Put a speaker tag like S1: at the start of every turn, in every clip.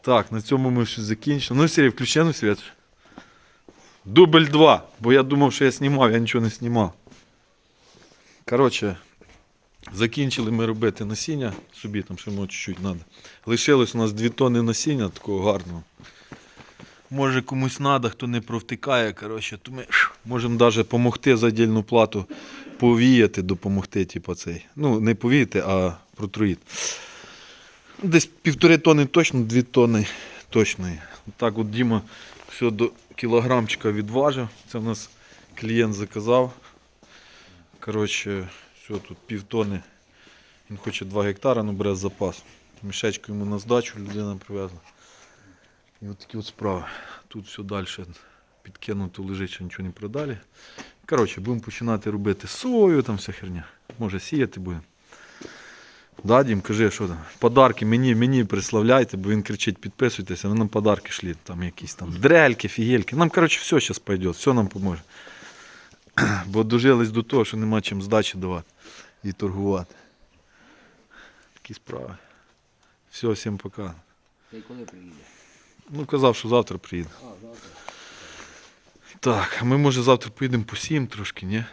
S1: Так, на цьому ми щось закінчили. Ну, Сергій, включи на світ. Дубль 2, бо я думав, що я знімав, я нічого не знімав. Коротше, закінчили ми робити насіння, собі там ще може чуть-чуть треба. Лишилось у нас 2 тонни насіння такого гарного. Може комусь треба, хто не провтикає, коротше, то ми можемо навіть допомогти за отдельну плату повіяти, допомогти, типу цей. Ну, не повіяти, а протруїти. Десь 1,5 тонни точно, 2 тонни точно. Так от Діма все до кілограмчика відважив. Це в нас клієнт заказав. Коротше, все, тут 1,5 тонни. Він хоче 2 гектари, але бере запас. Мішечку йому на здачу людина привезла. І от такі от справи. Тут все далі підкинуто лежить, що нічого не продали. Коротше, будемо починати робити сою, там вся херня. Може сіяти будемо. Да, Дім, кажи, що там? Подарки мені приславляйте, бо він кричить, підписуйтеся, ви нам подарки шліть. Там якісь там дрельки, фігельки. Нам, коротше, все зараз пойде, все нам поможе. Бо дожились до того, що нема чим здачі давати і торгувати. Такі справи. Все, всім пока.
S2: Та й коли приїде?
S1: Ну, казав, що завтра приїде.
S2: А, завтра.
S1: Так, а ми, може, завтра поїдемо посіємо трошки, ні?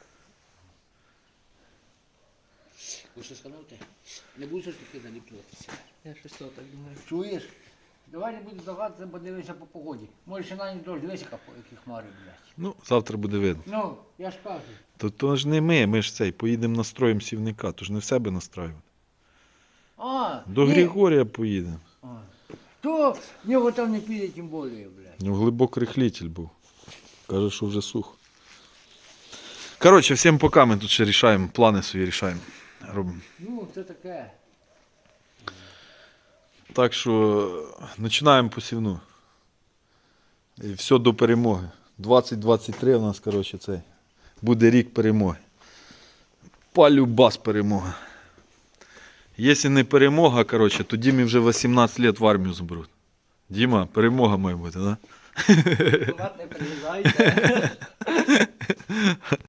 S2: Ви що скануте? Не будеш таки наліплюватися?
S3: Я щось то так думаю.
S2: Чуєш? Давай не буду здаватися, бо дивися по погоді. Може ще на ніч дощ, дивися, які хмари, блядь.
S1: Ну, завтра буде видно.
S2: Ну, я ж кажу.
S1: То ж не ми ж цей, поїдемо настроїмо сівника, то ж не в себе настраювати.
S2: А,
S1: До
S2: ні.
S1: Григорія поїдемо.
S2: А. То в нього там не піде, тим більше, блядь.
S1: Ну, глибокий рихлитель був. Каже, що вже сухо. Коротше, всім пока, ми тут ще рішаємо, плани свої рішаємо. Робимо.
S2: Ну, це таке.
S1: Так що починаємо посівну. І все до перемоги. 2023 у нас, коротше, цей. Буде рік перемоги. Полюбас перемога. Якщо не перемога, коротше, то Дімі вже 18 років в армію заберуть. Діма, перемога має бути, так? Да?
S3: Не приїжджайте.